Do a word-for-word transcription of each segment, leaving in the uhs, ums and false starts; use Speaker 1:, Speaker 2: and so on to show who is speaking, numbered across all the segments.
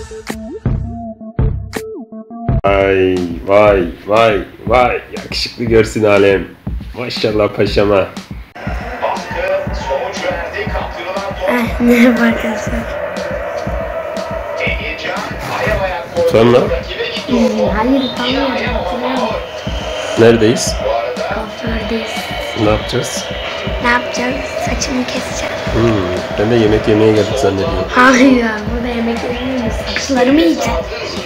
Speaker 1: Vay vay vay vay, yakışıklı görsün alem. Maşallah paşama.
Speaker 2: Merhaba arkadaşlar.
Speaker 1: Sonra?
Speaker 2: Hayır, utanmıyorum.
Speaker 1: Neredeyiz?
Speaker 2: Kuafördeyiz.
Speaker 1: Ne yapacağız?
Speaker 2: Ne yapacağız? Saçımı keseceğim.
Speaker 1: Hmm, ben de yemek yemeye geldik zannediyorum.
Speaker 2: Hayır, burada yemek yemiyoruz. Saçlarımı yiyeceğim.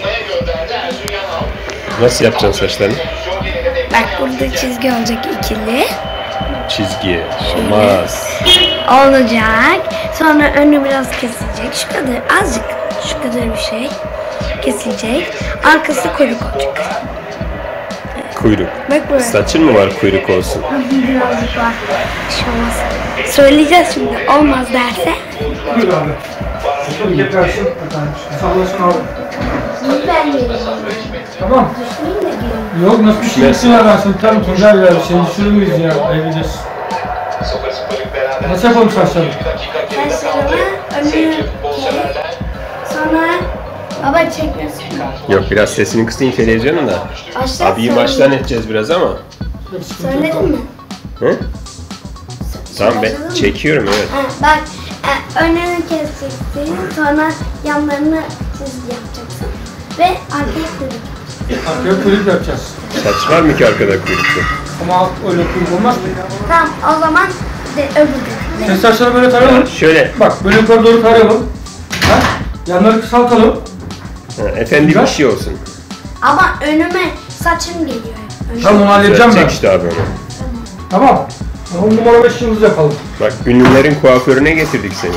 Speaker 1: Nasıl yapacaksın saçlarını?
Speaker 2: Bak burada çizgi olacak ikili.
Speaker 1: Çizgi. Olmaz.
Speaker 2: Olacak. Sonra önü biraz kesilecek. Şu kadar, azıcık. Şu kadar bir şey. Kesilecek. Arkası kuyruk olacak.
Speaker 1: Kuyruk.
Speaker 2: Bak böyle.
Speaker 1: Saçın mı var kuyruk olsun?
Speaker 2: Birazcık var. Bir şey olmaz. Söyleyeceğiz şimdi. Olmaz derse.
Speaker 3: Buyur abi. Şöyle getirsin. Sallasın abi.
Speaker 2: Ben vereyim.
Speaker 3: Tamam.
Speaker 2: Düşmeyeyim de diyorum.
Speaker 3: Yok nasıl düşüyorsun ya, ben seni tanım Tuncay ya. Seni düşürür müyüz ya? Ayıpacağız. Nasıl yapalım saçları?
Speaker 2: Saçlarımı önü kes. Sonra baba çekmiyorsun.
Speaker 1: Yok, biraz sesini kısayım televizyonun da.
Speaker 2: Başla.
Speaker 1: Abiyi maçtan edeceğiz biraz ama.
Speaker 2: Söyledin mi?
Speaker 1: Hı? Tamam, ben çekiyorum, evet.
Speaker 2: Ha, bak e, önünü keseceksin. Sonra yanlarını çizgi yapacaksın. Ve arkaya kuyruk.
Speaker 3: Arkaya kuyruk yapacağız.
Speaker 1: Saç var mı ki arkada kuyruklu?
Speaker 3: Ama öyle kuyruk olmaz mı?
Speaker 2: Tamam, o zaman de öbür
Speaker 3: Sen saçları böyle tarayalım.
Speaker 1: Şöyle.
Speaker 3: Bak böyle yukarı doğru tarayalım. Ha? Yanları kısaltalım.
Speaker 1: Ha, efendi bir şey olsun.
Speaker 2: Ama önüme saçım geliyor hep. Önüme.
Speaker 3: Tamam onu halledeceğim ben.
Speaker 1: Çek işte abi onu.
Speaker 3: Tamam. on numara beş yıldız yapalım.
Speaker 1: Bak, ünlülerin kuaförüne getirdik seni.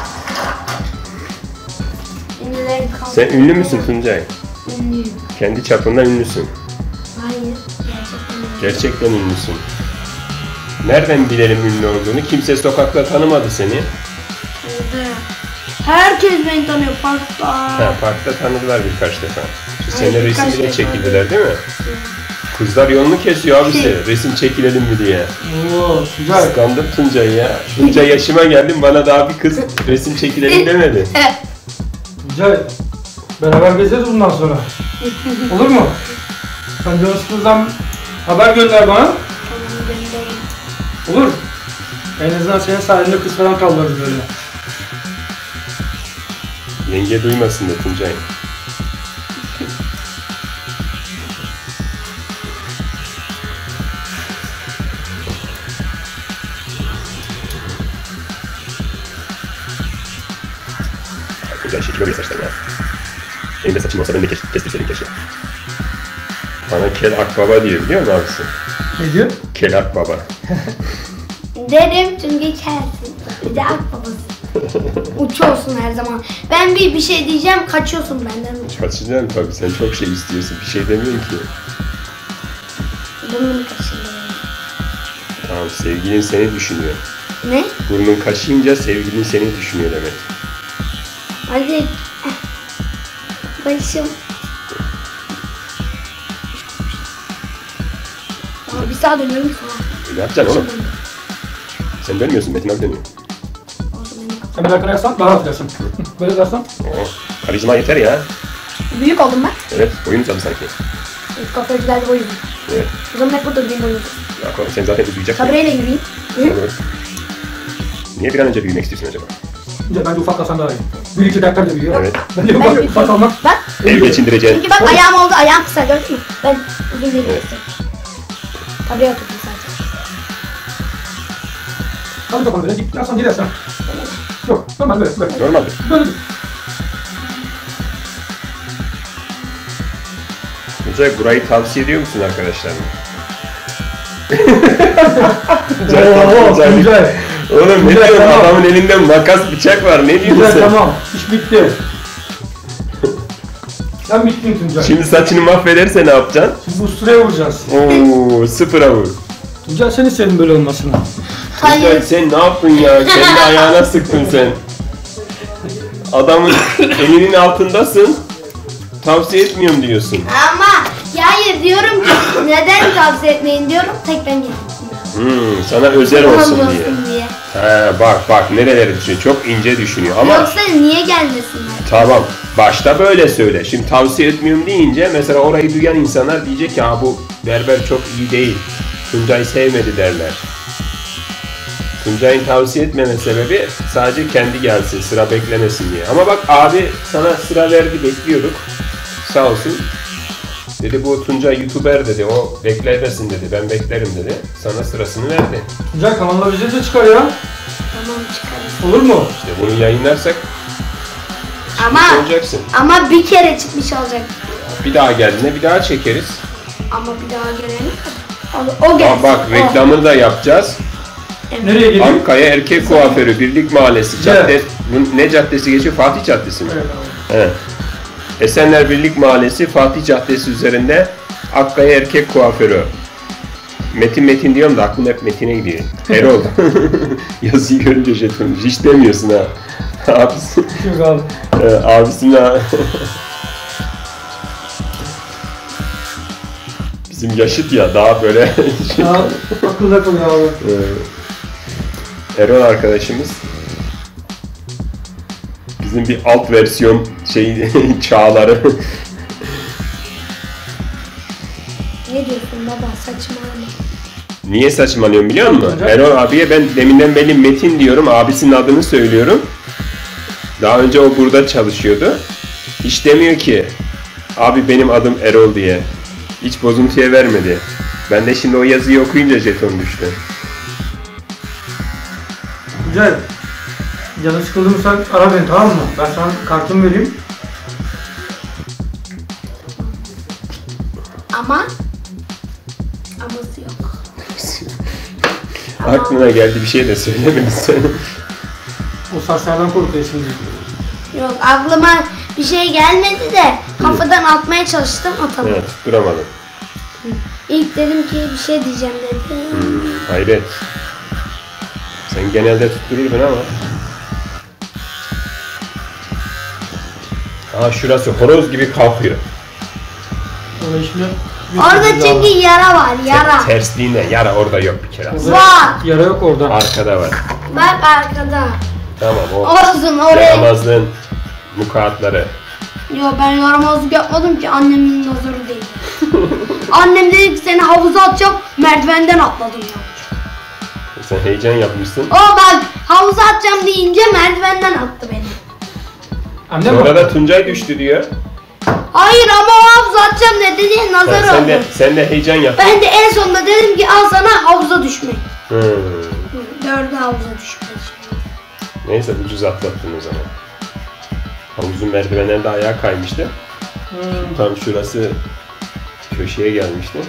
Speaker 2: Ünlülerin kaldı.
Speaker 1: Sen ünlü müsün Tuncay?
Speaker 2: Ünlüyüm.
Speaker 1: Kendi çapında ünlüsün.
Speaker 2: Hayır. Gerçekten ünlüyüm.
Speaker 1: Gerçekten ünlüsün. Nereden bilelim ünlü olduğunu? Kimse sokakta tanımadı seni.
Speaker 2: Şurada. Herkes beni tanıyor parkta.
Speaker 1: Ha, parkta tanıdılar birkaç defa. Şu
Speaker 2: Evet,
Speaker 1: sene
Speaker 2: birkaç
Speaker 1: resim bile
Speaker 2: defa.
Speaker 1: çekildiler değil mi? Kızlar yolunu kesiyor abi size. Resim çekilelim mi diye.
Speaker 3: Oo güzel.
Speaker 1: Kıskandım Tuncay'ı ya. Bunca yaşıma geldim, bana daha bir kız resim çekilelim demedi.
Speaker 3: Güzel. Beraber gezeriz bundan sonra. Olur mu? Sen Canışkız'dan haber gönder bana. Olur. En azından senin sayende kız falan kaldırırız böyle.
Speaker 1: Yenge duymasın da Tuncay. Güzel şekil oluyor saçlar ya. Benim de saçım olsa ben de kes, kestirseydim keşke. Bana kel akbaba diyor, biliyor musun abisi?
Speaker 3: Ne diyor?
Speaker 1: Kel akbaba.
Speaker 2: Derim çünkü kelsin. Bir de akbabası. Uçuyorsun her zaman. Ben bir bir şey diyeceğim, kaçıyorsun benden uçuyorsun.
Speaker 1: Kaçacaksın tabii, sen çok şey istiyorsun, bir şey demiyorsun ki.
Speaker 2: Burnum kaşındı.
Speaker 1: Tamam, sevgilin seni düşünüyor.
Speaker 2: Ne?
Speaker 1: Burnun kaşıyınca sevgilin seni düşünüyor demek.
Speaker 2: Hadi. Başım. Aa, bir sağa dönüyorum sonra.
Speaker 1: Ne yapacaksın oğlum? Sen dönmüyorsun, Metin abi dönüyor.
Speaker 3: Sen bir dakika yapsan daha rahat edersin. Böyle dersen.
Speaker 1: Oo, karizma yeter ya.
Speaker 2: Büyük oldum ben.
Speaker 1: Evet, boyun uzadı sanki.
Speaker 2: Kafacılarda boyum.
Speaker 1: Evet.
Speaker 2: O zaman hep burada durayım boyum.
Speaker 1: Ya, sen zaten uzayacaksın.
Speaker 2: Sabreyle yürüyeyim.
Speaker 1: Olur. Niye bir an önce büyümek istiyorsun acaba?
Speaker 3: Önce bence ufaklarsan daha iyi. Bir iki dakika da büyüyor.
Speaker 1: Evet.
Speaker 3: Bence
Speaker 2: Ben
Speaker 3: ufak,
Speaker 2: büyük
Speaker 3: ufak
Speaker 2: oldum.
Speaker 3: almak.
Speaker 2: Bak.
Speaker 1: Ev geçindireceksin.
Speaker 2: Çünkü bak ayağım oldu, ayağım kısa gördün mü? Ben uzun değil.
Speaker 1: Evet.
Speaker 2: Tabii oturdum sadece.
Speaker 3: Hadi bakalım böyle. Dik yapsan gidersen. Yok. Normal böyle. Böyle.
Speaker 1: Normaldir.
Speaker 3: Böyle.
Speaker 1: Tuncay, burayı tavsiye ediyor musun arkadaşlarına?
Speaker 3: Oo, güzel.
Speaker 1: Oğlum ne
Speaker 3: Güzel,
Speaker 1: diyorsun?
Speaker 3: tamam.
Speaker 1: Adamın elinde makas, bıçak var. Ne diyorsun
Speaker 3: Güzel
Speaker 1: sen?
Speaker 3: tamam. İş bitti. Sen bittin Tuncay.
Speaker 1: Şimdi saçını mahvederse ne yapacaksın?
Speaker 3: Şimdi usturaya vuracağız.
Speaker 1: Oo, sıfıra vur.
Speaker 3: Tuncay sen istedin böyle olmasını.
Speaker 1: Tuncay,
Speaker 2: Hayır.
Speaker 1: sen ne yaptın ya? Kendi ayağına sıktın sen. Adamın elinin altındasın. Tavsiye etmiyorum diyorsun.
Speaker 2: Ama ya hayır diyorum ki neden tavsiye etmeyin diyorum tek ben geldim.
Speaker 1: Hmm, sana özel olsun diye.
Speaker 2: diye.
Speaker 1: He bak bak nereleri düşünüyor. Çok ince düşünüyor ama
Speaker 2: Yoksa niye gelmesinler?
Speaker 1: tamam başta böyle söyle. Şimdi tavsiye etmiyorum deyince mesela orayı duyan insanlar diyecek ki ha bu berber çok iyi değil. Tuncay'ı sevmedi derler. Tuncay'ın tavsiye etmeme sebebi sadece kendi gelsin, sıra beklemesin diye. Ama bak abi sana sıra verdi, bekliyorduk. Sağ olsun. Dedi bu Tuncay YouTuber dedi, o beklemesin dedi, ben beklerim dedi. Sana sırasını verdi.
Speaker 3: Güzel kanallar bize de çıkar ya.
Speaker 2: Tamam çıkarız.
Speaker 3: Olur mu?
Speaker 1: İşte bunu yayınlarsak
Speaker 2: Ama
Speaker 1: olacaksın.
Speaker 2: ama bir kere çıkmış olacak.
Speaker 1: Bir daha geldiğinde bir daha çekeriz.
Speaker 2: Ama bir daha gelene kadar. O, o gelsin.
Speaker 1: Aa, bak
Speaker 2: o.
Speaker 1: reklamını da yapacağız.
Speaker 3: Nereye geliyor?
Speaker 1: Akkaya Erkek Kuaförü Birlik Mahallesi.
Speaker 3: Evet.
Speaker 1: Cadde, bu ne caddesi geçiyor? Fatih Caddesi mi?
Speaker 3: Evet abi.
Speaker 1: Evet. Esenler Birlik Mahallesi Fatih Caddesi üzerinde Akkaya Erkek Kuaförü. Metin Metin diyorum da aklım hep Metin'e gidiyor. Erol. Yazıyı görünce jeton. Hiç demiyorsun ha. Abisi.
Speaker 3: Yok abi.
Speaker 1: Ee, abisinin ha. Bizim yaşıt ya daha böyle şey.
Speaker 3: Ya, akılda kalıyor abi.
Speaker 1: Ee, Erol arkadaşımız bizim bir alt versiyon şey çağları.
Speaker 2: Ne diyorsun baba saçmalama.
Speaker 1: Niye saçmalıyorum biliyor musun?
Speaker 3: Hocam.
Speaker 1: Erol abiye ben deminden beri Metin diyorum, abisinin adını söylüyorum. Daha önce o burada çalışıyordu. Hiç demiyor ki abi benim adım Erol diye. Hiç bozuntuya vermedi. Ben de şimdi o yazıyı okuyunca jeton düştü.
Speaker 3: Güzel. Canı sıkıldı mı sen ara beni, tamam mı? Ben sana kartımı vereyim.
Speaker 2: Ama aması yok.
Speaker 1: Aklına geldi bir şey de söylemedin.
Speaker 3: O saçlardan korkuyor şimdi.
Speaker 2: Yok aklıma bir şey gelmedi de kafadan atmaya çalıştım atamadım.
Speaker 1: Evet, duramadım.
Speaker 2: İlk dedim ki bir şey diyeceğim dedim.
Speaker 1: Hayret. Sen genelde tuttururdun ama. Aa şurası horoz gibi kalkıyor.
Speaker 3: Ona şimdi
Speaker 2: Orada çünkü yara var yara.
Speaker 1: Tersliğinde yara orada yok bir kere.
Speaker 3: Orada
Speaker 2: Var.
Speaker 3: Yara yok orada.
Speaker 1: Arkada var.
Speaker 2: Bak arkada.
Speaker 1: Tamam o.
Speaker 2: Olsun oraya.
Speaker 1: Yaramazlığın mukaatları.
Speaker 2: Yo ben yaramazlık yapmadım ki annemin nazarı değil. Annem dedi ki seni havuza atacağım merdivenden atladım ya.
Speaker 1: Sen heyecan yapmışsın.
Speaker 2: O bak havuza atacağım deyince merdivenden attı beni.
Speaker 3: Annem
Speaker 1: Sonra
Speaker 3: mi?
Speaker 1: da Tuncay düştü diyor.
Speaker 2: Hayır ama o havuza atacağım dedi diye
Speaker 1: Sen,
Speaker 2: nazar
Speaker 1: sen
Speaker 2: oldu.
Speaker 1: de sen de heyecan yap.
Speaker 2: Ben de en sonunda dedim ki al sana havuza düşmek.
Speaker 1: Hmm.
Speaker 2: Dördü havuza düşmek.
Speaker 1: Neyse ucuz atlattın o zaman. Havuzun merdivenlerinde ayağa kaymıştı.
Speaker 3: Hmm.
Speaker 1: Tam şurası köşeye gelmişti.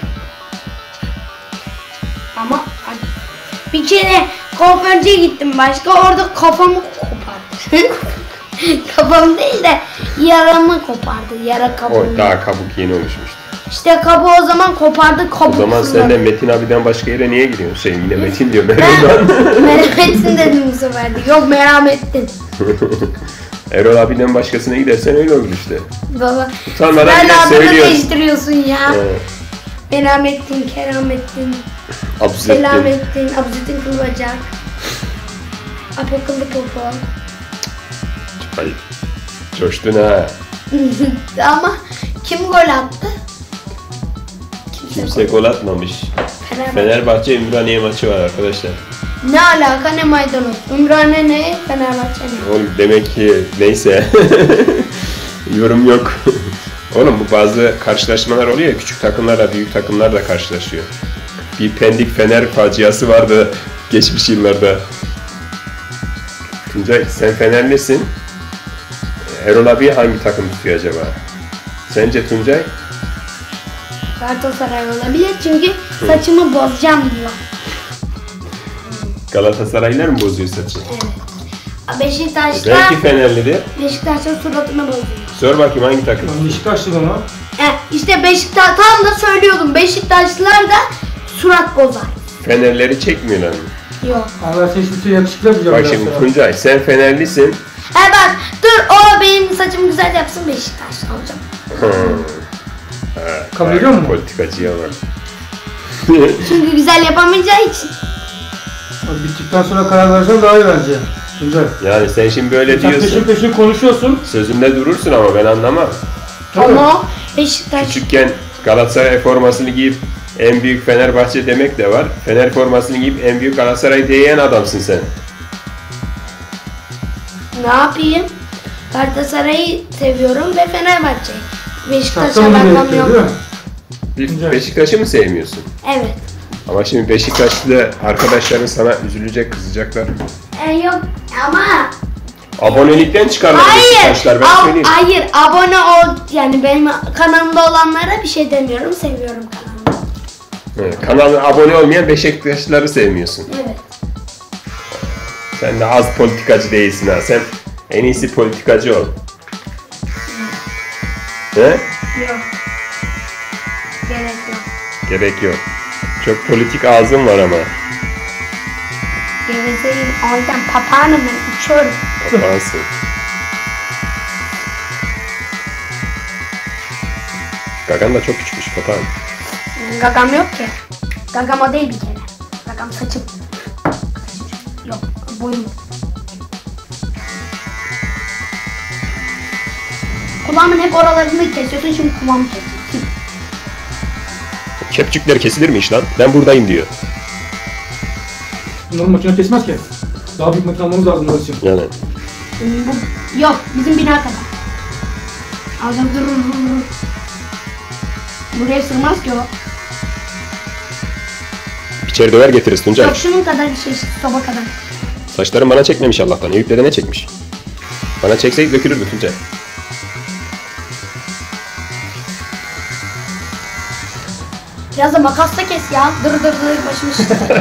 Speaker 2: Ama bir kere kuaförcüye gittim başka orada kafamı kopardı. Kafam değil de yaramı kopardı. Yara
Speaker 1: O
Speaker 2: kabuğunu.
Speaker 1: daha kabuk yeni oluşmuştu.
Speaker 2: İşte kabuğu o zaman kopardı kabuk.
Speaker 1: O zaman sen de
Speaker 2: fırladı.
Speaker 1: Metin abiden başka yere niye gidiyorsun? Şey yine Metin diyor.
Speaker 2: Ben
Speaker 1: Erol'dan.
Speaker 2: merhametsin dedim bu sefer de. Yok merhamettin.
Speaker 1: Erol abiden başkasına gidersen öyle olur işte.
Speaker 2: Baba.
Speaker 1: Utanmadan
Speaker 2: Sen
Speaker 1: bile
Speaker 2: de adını
Speaker 1: söylüyorsun.
Speaker 2: değiştiriyorsun ya.
Speaker 1: Evet.
Speaker 2: Merhamettin, keramettin,
Speaker 1: Abzettin.
Speaker 2: selamettin, abzüttin kılbacak. Apokıllı popo.
Speaker 1: Ay, coştun ha.
Speaker 2: Ama kim gol attı?
Speaker 1: Kimse gol atmamış.
Speaker 2: Fenerbahçe.
Speaker 1: Fenerbahçe Ümraniye maçı var arkadaşlar.
Speaker 2: Ne alaka ne maydanoz? Ümraniye ne? Fenerbahçe ne?
Speaker 1: Oğlum demek ki neyse. Yorum yok. Oğlum bu bazı karşılaşmalar oluyor ya, küçük takımlarla büyük takımlar da karşılaşıyor. Bir Pendik Fener faciası vardı geçmiş yıllarda. Tuncay sen Fenerlisin. Erol abi hangi takım tutuyor acaba? Sence Tuncay?
Speaker 2: Galatasaray olabilir çünkü saçımı bozacağım diyor.
Speaker 1: Galatasaraylılar mı bozuyor saçı?
Speaker 2: Evet. Beşiktaş'ta
Speaker 1: Belki Fenerlidir.
Speaker 2: Beşiktaş'ta suratını bozuyor.
Speaker 1: Sor bakayım hangi takım?
Speaker 3: Ben Beşiktaşlıyım ama.
Speaker 2: E, işte Beşiktaş tam da söylüyordum. Beşiktaşlılar da surat bozar.
Speaker 1: Fenerleri çekmiyorlar mı?
Speaker 2: Yok.
Speaker 3: Ama ben seni şimdi yakışıklı yapacağım.
Speaker 1: Bak
Speaker 3: biraz
Speaker 1: şimdi
Speaker 3: sonra.
Speaker 1: Tuncay sen Fenerlisin.
Speaker 2: He bak dur o benim saçımı güzel yapsın Beşiktaşlı olacağım.
Speaker 1: Hmm. Ha,
Speaker 3: Kabul
Speaker 1: bak,
Speaker 3: ediyor musun?
Speaker 1: Politikacıya bak.
Speaker 2: Çünkü güzel yapamayacağı için.
Speaker 3: Hadi bittikten sonra karar versen daha iyi bence. Güzel.
Speaker 1: Yani sen şimdi böyle
Speaker 3: Sen peşin
Speaker 1: diyorsun.
Speaker 3: peşin konuşuyorsun.
Speaker 1: Sözünde durursun ama ben anlamam.
Speaker 3: Tabii.
Speaker 2: Ama Beşiktaş
Speaker 1: Küçükken Galatasaray formasını giyip en büyük Fenerbahçe demek de var. Fener formasını giyip en büyük Galatasaray diyen adamsın sen.
Speaker 2: ne yapayım? Galatasaray'ı seviyorum ve Fenerbahçe'yi. Beşiktaş'a
Speaker 3: Şapkamı
Speaker 2: ben
Speaker 3: gerekiyor değil mi?
Speaker 2: anlamıyorum.
Speaker 1: Bir
Speaker 3: Güzel.
Speaker 1: Beşiktaş'ı mı sevmiyorsun?
Speaker 2: Evet.
Speaker 1: Ama şimdi Beşiktaşlı arkadaşların sana üzülecek, kızacaklar.
Speaker 2: E, yok ama
Speaker 1: Abonelikten çıkarlar
Speaker 2: hayır.
Speaker 1: Beşiktaşlar, ben
Speaker 2: ab-
Speaker 1: söyleyeyim.
Speaker 2: hayır abone ol yani benim kanalımda olanlara bir şey demiyorum. Seviyorum kanalımı.
Speaker 1: Evet, kanalına abone olmayan Beşiktaşlıları sevmiyorsun.
Speaker 2: Evet.
Speaker 1: Sen de az politikacı değilsin ha. Sen en iyisi politikacı ol. He?
Speaker 2: Yok. Gerek yok.
Speaker 1: Gerek yok. Çok politik ağzın var ama.
Speaker 2: Gevezeyim. O yüzden papağanım ben uçuyorum.
Speaker 1: Kapansın. Gagan da çok küçükmüş papağan.
Speaker 2: Gagam yok ki. Gagam o değil bir kere. Gagam saçım. Yok boyum. Kulağımın hep oralarını kesiyorsun şimdi kulağımı kesiyorsun.
Speaker 1: Kepçükler kesilir mi iş lan? Ben buradayım diyor.
Speaker 3: Bunların makine kesmez ki. Daha büyük makine almamız lazım orası için.
Speaker 1: Yani.
Speaker 2: Bu, yok bizim bina kadar. Alacağım durur durur. Buraya sığmaz ki o.
Speaker 1: İçeri döver getiririz Tuncay.
Speaker 2: Yok şunun kadar bir şey soba kadar.
Speaker 1: Saçlarım bana çekmemiş Allah'tan. Eyüp'le de ne çekmiş? Bana çekseydi dökülürdü Tuncay.
Speaker 2: Biraz da makasla kes ya. Dır dır dır başımı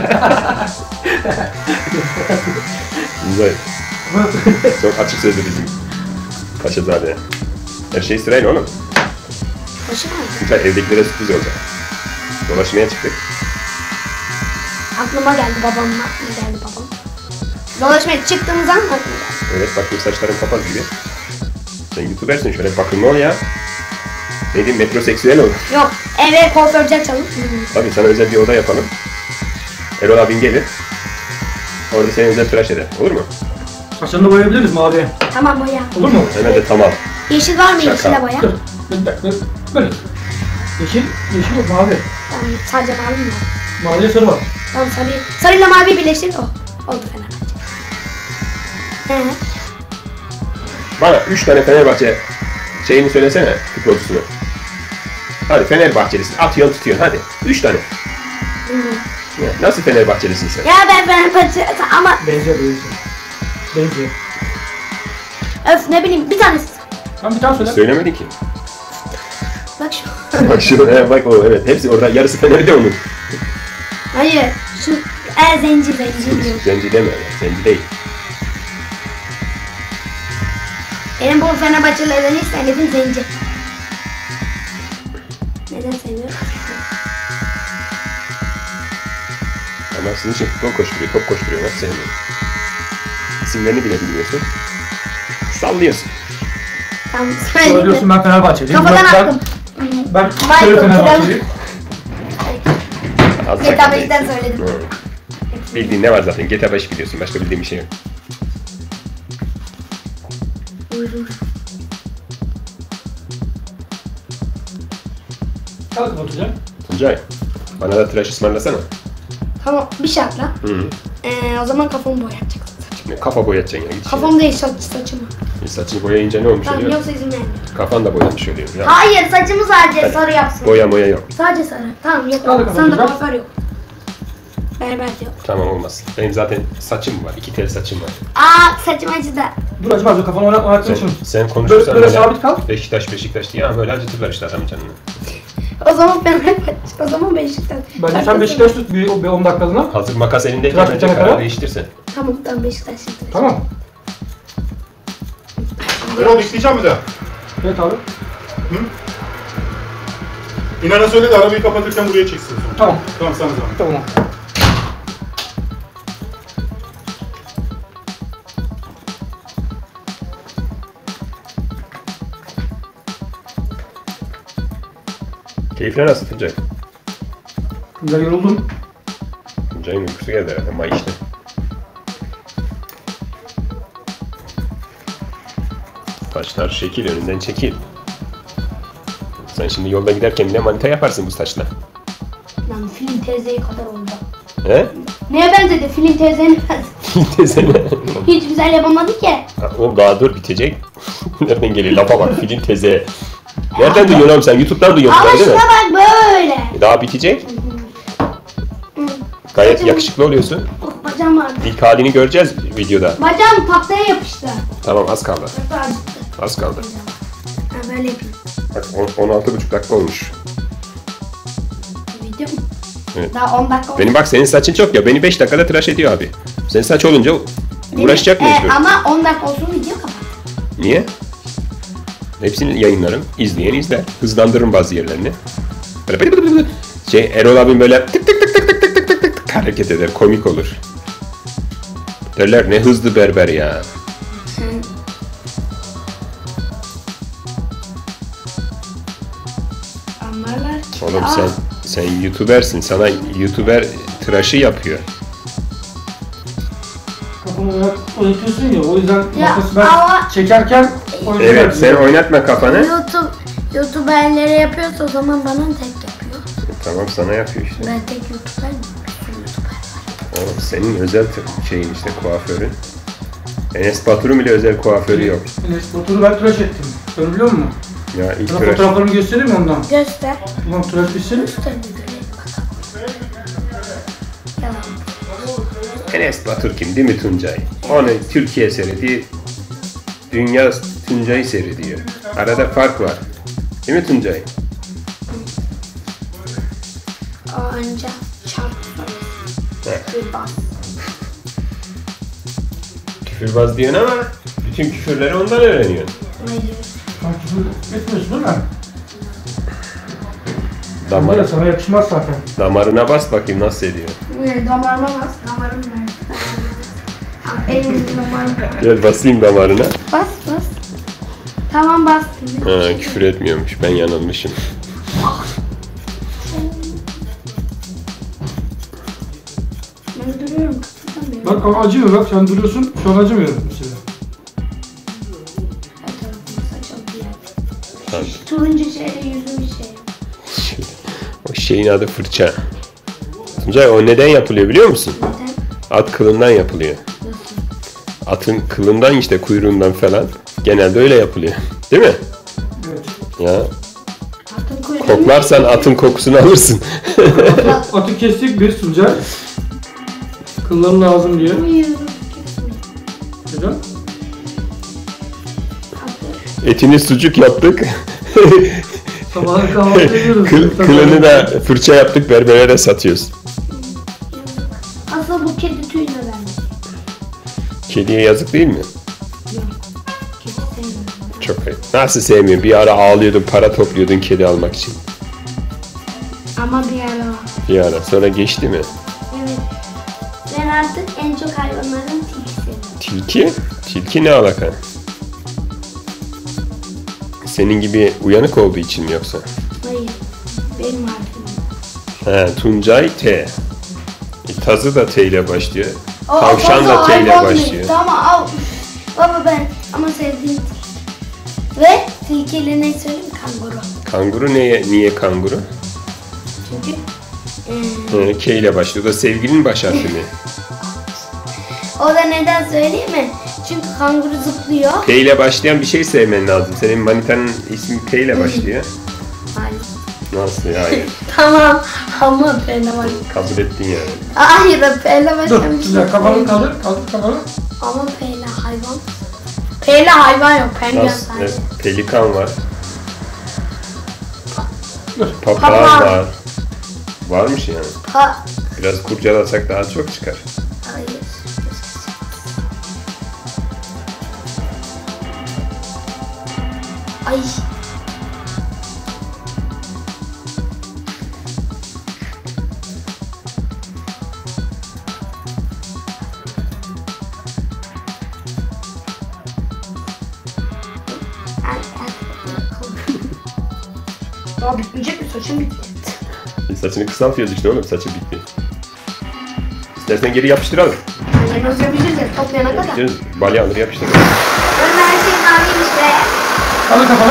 Speaker 1: Tuncay. Çok açık sözlü bizim Paşazade. Her şey sırayla oğlum.
Speaker 2: Başım ağrıyor.
Speaker 1: Tuncay evdekilere sürpriz olacak. Dolaşmaya çıktık.
Speaker 2: Aklıma geldi babamın aklıma geldi babam. Dolaşmaya çıktığımız an aklıma geldi.
Speaker 1: Evet bakayım saçların papaz gibi. Sen youtubersin şöyle bakımlı ol ya. Ne diyeyim metroseksüel ol.
Speaker 2: Yok eve kuaförcü açalım.
Speaker 1: Tabii sana özel bir oda yapalım. Erol abin gelir. Orada seni özel tıraş eder. Olur mu?
Speaker 3: Saçlarını da boyayabiliriz mavi.
Speaker 2: Tamam boya.
Speaker 3: Olur mu?
Speaker 1: Hemen de tamam.
Speaker 2: Yeşil var mı
Speaker 1: Şaka.
Speaker 2: yeşile boya?
Speaker 3: Dur. Bir dakika. Böyle. Yeşil, yeşil yok mavi.
Speaker 2: Tamam sadece mavi mi var?
Speaker 3: Maviyle sarı var.
Speaker 2: Tamam sarı. Sarıyla mavi birleştir o. Oldu Fenerbahçe. He.
Speaker 1: Bana üç tane Fenerbahçe şeyini söylesene futbolcusunu. Hadi Fenerbahçelisin. Atıyorsun tutuyorsun hadi. Üç tane.
Speaker 2: Hı.
Speaker 1: Ya, nasıl Fenerbahçelisin sen?
Speaker 2: Ya ben Fenerbahçe ama
Speaker 3: Benziyor, benziyor. Benziyor.
Speaker 2: öf ne bileyim bir tanesi.
Speaker 3: Tamam bir tane söyle.
Speaker 1: Söylemedin ki.
Speaker 2: Bak şu.
Speaker 1: Bak şu, he, bak o evet. Hepsi orada yarısı Fener'de onun.
Speaker 2: Hayır. Şu e zenci zenci diyor.
Speaker 1: Zenci deme. Zenci değil.
Speaker 2: Benim bu Fenerbahçelilerden hiç sevmediğim zenci. Neden seviyorum?
Speaker 1: Ama sizin için futbol koşturuyor, top koşturuyor. Nasıl sevmiyorum? İsimlerini bile bilmiyorsun. Sallıyorsun.
Speaker 2: Tamam
Speaker 3: Sonra
Speaker 2: söyle.
Speaker 3: diyorsun ben Fenerbahçeliyim.
Speaker 2: Kafadan
Speaker 3: Ben-
Speaker 2: attım.
Speaker 3: Ben
Speaker 2: Michael,
Speaker 3: şöyle Fenerbahçeliyim.
Speaker 1: Az
Speaker 2: G T A
Speaker 1: sakın
Speaker 2: beşten
Speaker 1: değilsin.
Speaker 2: söyledim.
Speaker 1: Hı. Bildiğin ne var zaten? G T A beş biliyorsun. Başka bildiğin bir şey yok.
Speaker 2: Buyurun.
Speaker 3: Kalkın oturacağım.
Speaker 1: Tuncay, bana da tıraş ısmarlasana.
Speaker 2: Tamam bir şartla.
Speaker 1: Hı.
Speaker 2: Ee, o zaman kafamı boyatacaksın saçımı.
Speaker 1: Ne kafa boyatacaksın ya. Git
Speaker 2: Kafam değil saç, saçımı.
Speaker 1: işine. Saçını boyayınca ne olmuş
Speaker 2: Tamam
Speaker 1: oluyor?
Speaker 2: yoksa izin vermiyorum.
Speaker 1: Kafan da boyanmış oluyor. Ya.
Speaker 2: Hayır saçımı sadece
Speaker 1: Hadi.
Speaker 2: sarı yapsın.
Speaker 1: Boya boya yok.
Speaker 2: Sadece sarı. Tamam yok.
Speaker 3: Hadi bakalım,
Speaker 2: Sana da
Speaker 3: güzel.
Speaker 2: kuaför yok. Berber de yok.
Speaker 1: Tamam olmaz. Benim zaten saçım var. İki tel saçım var.
Speaker 2: Aa saçım acıdı.
Speaker 3: Dur acaba kafanı oynat oynatmak
Speaker 1: Sen,
Speaker 3: için.
Speaker 1: sen konuşursan
Speaker 3: Böyle- böyle sabit kal.
Speaker 1: Beşiktaş Beşiktaş diye ama böyle acıtırlar işte adamın canını.
Speaker 2: O zaman Fenerbahçe. O zaman Beşiktaş.
Speaker 3: Bence sen Beşiktaş tut bir, bir on dakikalığına.
Speaker 1: Hazır makas elindeyken
Speaker 3: Tıraş
Speaker 1: bence
Speaker 3: bitene
Speaker 1: karar
Speaker 3: kadar.
Speaker 1: değiştirsen.
Speaker 2: Tamam tamam Beşiktaş. şimdi.
Speaker 3: Tamam.
Speaker 4: Erol bekleyeceğim bir daha.
Speaker 3: Evet abi.
Speaker 4: İnan'a söyle de arabayı kapatırken buraya çeksin.
Speaker 3: Tamam.
Speaker 4: Tamam sana zaman.
Speaker 3: Tamam.
Speaker 1: Keyifler nasıl Tuncay?
Speaker 3: Güzel yoruldum.
Speaker 1: Tuncay'ın uykusu geldi herhalde. May işte. taşlar şekil, önünden çekil. Sen şimdi yolda giderken bile manita yaparsın bu taşla.
Speaker 2: Lan film teyzeye kadar oldu.
Speaker 1: He?
Speaker 2: Neye benzedi? Film teyzenin benzedi.
Speaker 1: Tezene.
Speaker 2: Hiç güzel yapamadı ki.
Speaker 1: Oğlum daha dur bitecek. Nereden geliyor? Lafa bak, film teze. Nereden duyuyorsun oğlum sen? YouTube'dan duyuyorsun
Speaker 2: Ama
Speaker 1: değil
Speaker 2: şuna
Speaker 1: mi?
Speaker 2: bak böyle.
Speaker 1: Daha bitecek.
Speaker 2: Hı.
Speaker 1: Gayet
Speaker 2: Bacım-
Speaker 1: yakışıklı oluyorsun.
Speaker 2: Oh, bacağım ağrıdı.
Speaker 1: İlk halini göreceğiz videoda.
Speaker 2: Bacağım tahtaya yapıştı.
Speaker 1: Tamam, az kaldı.
Speaker 2: Çok acıttı.
Speaker 1: Az kaldı.
Speaker 2: Ha böyle yapayım.
Speaker 1: Bak on- on altı buçuk dakika olmuş.
Speaker 2: Video mu?
Speaker 1: Evet.
Speaker 2: Daha on dakika oldu.
Speaker 1: Benim bak senin saçın çok ya. Beni beş dakikada tıraş ediyor abi. Senin saç olunca uğraşacak
Speaker 2: Benim-
Speaker 1: mecbur.
Speaker 2: e, Ama on dakika olsun video kapat.
Speaker 1: Niye? Hepsini yayınlarım. İzleyen izler. Hızlandırırım bazı yerlerini. Böyle bıdı bıdı bıdı. Şey Erol abim böyle tık tık tık tık tık tık tık tık tık tık hareket eder. Komik olur. Derler ne hızlı berber ya.
Speaker 2: Anlarlar ki.
Speaker 1: Oğlum
Speaker 2: Aa,
Speaker 1: sen sen YouTuber'sin. Sana YouTuber tıraşı yapıyor.
Speaker 3: Kafamı oynat, oynatıyorsun ya, o yüzden
Speaker 2: Ya,
Speaker 3: makası ben
Speaker 2: ama-
Speaker 3: çekerken oynatıyorum.
Speaker 1: Evet, sen oynatma kafanı.
Speaker 2: YouTube, YouTuber'lere yapıyorsa o zaman bana tek yapıyor.
Speaker 1: Tamam, sana yapıyor işte.
Speaker 2: Ben tek YouTuber miyim? Bir sürü YouTuber var.
Speaker 1: Oğlum senin özel t- şeyin işte kuaförün. Enes Batur'un bile özel kuaförü yok.
Speaker 3: Enes Batur'u ben tıraş ettim. Sen biliyor musun?
Speaker 1: Ya ilk
Speaker 3: Sana
Speaker 1: tıraş.
Speaker 3: fotoğraflarımı göstereyim mi ondan?
Speaker 2: Göster.
Speaker 3: Ulan tıraş bitsin.
Speaker 2: Göster bir görelim bakalım. Yalan.
Speaker 1: Enes Batur kim değil mi Tuncay? Onu Türkiye seyrediyor. Dünya Tuncay'ı seyrediyor. Arada fark var. Değil mi Tuncay?
Speaker 2: O önce çarp
Speaker 1: Evet.
Speaker 2: bir bas.
Speaker 1: Küfürbaz diyorsun ama bütün küfürleri ondan öğreniyorsun.
Speaker 2: Ne diyor?
Speaker 3: Sen küfür etmiyorsun değil mi?
Speaker 1: Damar,
Speaker 3: Damar. Sana yakışmaz zaten.
Speaker 1: damarına bas bakayım nasıl ediyor.
Speaker 2: Ne, damarıma bas. Damarım nerede? Ah, Elim damarım.
Speaker 1: Gel basayım damarına.
Speaker 2: Bas bas. Tamam bastım.
Speaker 1: Ha, küfür etmiyormuş. Ben yanılmışım.
Speaker 2: Ben duruyorum. Tutamıyorum.
Speaker 3: Bak ama acımıyor, bak sen duruyorsun, şu an acımıyor mesela.
Speaker 2: Her tarafıma saçıldı ya.
Speaker 1: Tamam.
Speaker 2: Turuncu şeyle yüzüm şey.
Speaker 1: O şeyin adı fırça. Tuncay o neden yapılıyor biliyor musun?
Speaker 2: Neden?
Speaker 1: At kılından yapılıyor.
Speaker 2: Nasıl?
Speaker 1: Atın kılından işte kuyruğundan falan. Genelde öyle yapılıyor. Değil mi?
Speaker 3: Evet.
Speaker 1: Ya
Speaker 2: Atın kuyruğunu...
Speaker 1: koklarsan atın kokusunu alırsın.
Speaker 3: Atı, atı kestik bir Tuncay. Kılların lazım diye.
Speaker 2: Uyuyorum.
Speaker 3: Neden?
Speaker 2: Atı.
Speaker 1: Etini sucuk yaptık.
Speaker 3: Sabahın kahvaltı ediyoruz.
Speaker 1: Kıl, kılını da fırça yaptık, berbere de satıyoruz.
Speaker 2: Aslında bu kedi tüyüne vermiş.
Speaker 1: Kediye yazık değil mi?
Speaker 2: Yok. Kedi sevmiyorum.
Speaker 1: Çok ayıp. Nasıl sevmiyorum? Bir ara ağlıyordun, para topluyordun kedi almak için.
Speaker 2: Ama bir ara var.
Speaker 1: Bir ara. Sonra geçti mi?
Speaker 2: Evet. Ben artık en çok hayvanların tilkisiyim.
Speaker 1: Tilki? Tilki ne alaka? Senin gibi uyanık olduğu için mi yoksa?
Speaker 2: Hayır. Benim harfim.
Speaker 1: He, Tuncay T. E, tazı da T ile başlıyor.
Speaker 2: O-
Speaker 1: Tavşan
Speaker 2: o
Speaker 1: da T ile
Speaker 2: hayvan
Speaker 1: başlıyor.
Speaker 2: değil. Tamam al. Baba ben ama sevdiğim tilki. Ve tilkiyle ne söyleyeyim? Kanguru.
Speaker 1: Kanguru neye, niye kanguru?
Speaker 2: Çünkü eee,
Speaker 1: He, K ile başlıyor. O da sevgilinin baş harfi mi?
Speaker 2: o da neden söyleyeyim mi? Çünkü kanguru zıplıyor.
Speaker 1: K ile başlayan bir şey sevmen lazım. Senin manitanın ismi K ile başlıyor.
Speaker 2: Hayır.
Speaker 1: Nasıl ya? Hayır.
Speaker 2: Tamam ama P'le var.
Speaker 1: Kabul ettin yani.
Speaker 2: Hayır P'le
Speaker 3: Dur,
Speaker 2: başlamış.
Speaker 3: Tuncay kafanı kaldır, kaldır kafanı.
Speaker 2: Ama P'le hayvan. P'le hayvan yok. P'le
Speaker 1: Nasıl?
Speaker 2: sadece.
Speaker 1: Evet, pelikan var.
Speaker 3: Dur.
Speaker 1: Papağan
Speaker 2: Papağan.
Speaker 1: var. Varmış yani.
Speaker 2: Pa.
Speaker 1: Biraz kurcalasak daha çok çıkar.
Speaker 2: Hayır. Ay. Ay, ay. Daha bitmeyecek mi? Saçım bitti.
Speaker 1: E, saçını kısaltıyoruz işte oğlum. Saçı bitti. İstersen geri yapıştıralım.
Speaker 2: Anne nasıl yapacağız ya? Toplayana kadar.
Speaker 1: Yapıştırırız. Balya alır yapıştırırız.
Speaker 2: Ben her şeyin maviymiş Ve
Speaker 3: Kaldır kafanı.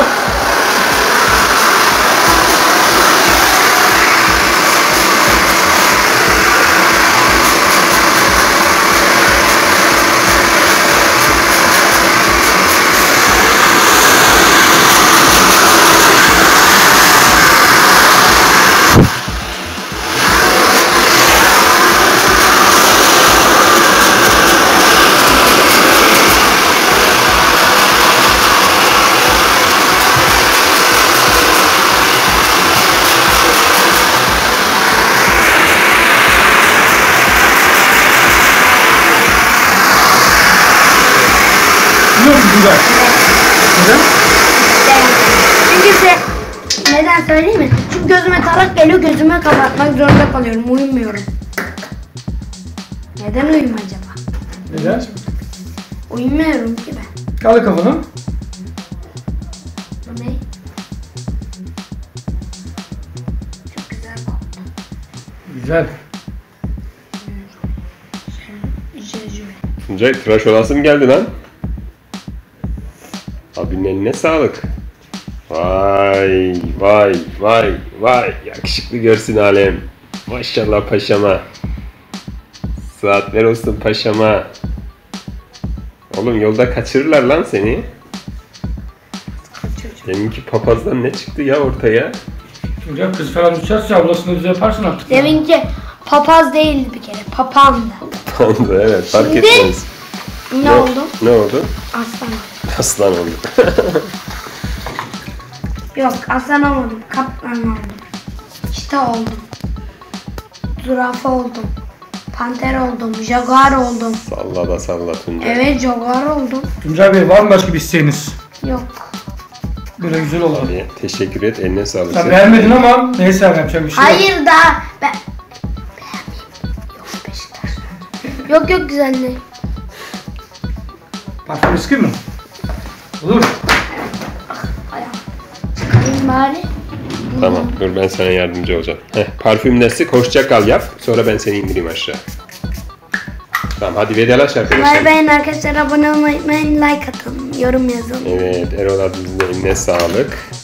Speaker 3: Biliyor musun Tuncay? Neden?
Speaker 2: çünkü se- neden söyleyeyim mi? Çünkü gözüme tarak geliyor, gözüme kapatmak zorunda kalıyorum. Uyumuyorum. Neden uyum acaba?
Speaker 3: Neden?
Speaker 2: Uyumuyorum ki ben.
Speaker 3: Kaldır kafanı.
Speaker 2: Bu ne? Çok güzel koktu.
Speaker 3: Güzel.
Speaker 2: Jejue.
Speaker 1: Tuncay tıraş olası mı geldi lan? Abinin eline sağlık. Vay vay vay vay. Yakışıklı görsün alem. Maşallah paşama. Saatler olsun paşama. Oğlum yolda kaçırırlar lan seni. Deminki papazdan ne çıktı ya ortaya?
Speaker 3: Tuncay kız falan düşerse ablasını bize yaparsın artık.
Speaker 2: Deminki papaz değildi bir kere, papağandı.
Speaker 1: Oldu evet fark
Speaker 2: Şimdi-
Speaker 1: etmez.
Speaker 2: Ne oldu?
Speaker 1: Ne oldu?
Speaker 2: Aslan.
Speaker 1: Aslan oldu.
Speaker 2: Yok, aslan olmadım, kaplan oldum. Çita oldum. Zürafa oldum. Panter oldum, jaguar oldum.
Speaker 1: Salla da salla Tuncay.
Speaker 2: Evet, jaguar oldum.
Speaker 3: Tuncay Bey var mı başka bir isteğiniz?
Speaker 2: Yok.
Speaker 3: Böyle güzel olan.
Speaker 1: Hadi, teşekkür et eline sağlık.
Speaker 3: Sen beğenmedin ama neyse abi yapacak bir şey yok.
Speaker 2: Hayır daha ben... Yok Beşiktaş. Yok yok güzelliği.
Speaker 3: Parfüm riski mi? Olur.
Speaker 2: Ayağım. Çıkarayım bari.
Speaker 1: Tamam dur ben sana yardımcı olacağım. Heh, parfümlesi hoşça kal yap. Sonra ben seni indireyim aşağı. Tamam hadi vedalaş arkadaşlar.
Speaker 2: Bay bayın arkadaşlar, abone olmayı unutmayın, like atın, yorum yazın.
Speaker 1: Evet Erol abimizin eline sağlık.